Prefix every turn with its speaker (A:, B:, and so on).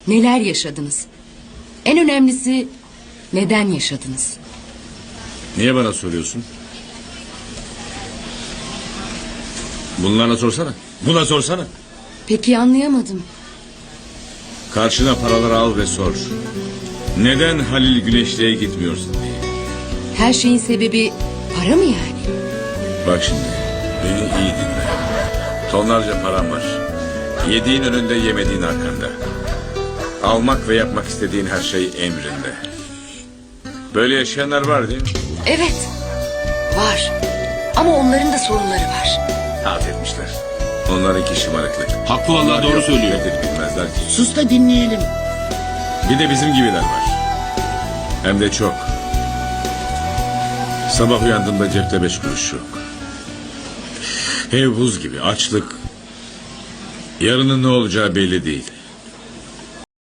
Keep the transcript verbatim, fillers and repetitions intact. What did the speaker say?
A: Neler yaşadınız? En önemlisi neden yaşadınız?
B: Niye bana soruyorsun? Bunlarla sorsana. Buna sorsana.
A: Peki anlayamadım.
B: Karşına paraları al ve sor. Neden Halil Güneşli'ye gitmiyorsun diye.
A: Her şeyin sebebi para mı yani?
B: Bak şimdi, beni iyi dinle. Tonlarca param var. Yediğin önünde, yemediğin arkanda. Almak ve yapmak istediğin her şey emrinde. Böyle yaşayanlar var değil mi?
A: Evet, var. Ama onların da sorunları var.
B: Affetmişler. Onlarınki şımarıklık.
C: Haklı vallahi, doğru söylüyor.
B: Nedir bilmezler ki.
D: Sus da dinleyelim.
B: Bir de bizim gibiler var. Hem de çok. Sabah uyandığında cepte beş kuruş yok. Ev buz gibi, açlık. Yarının ne olacağı belli değil.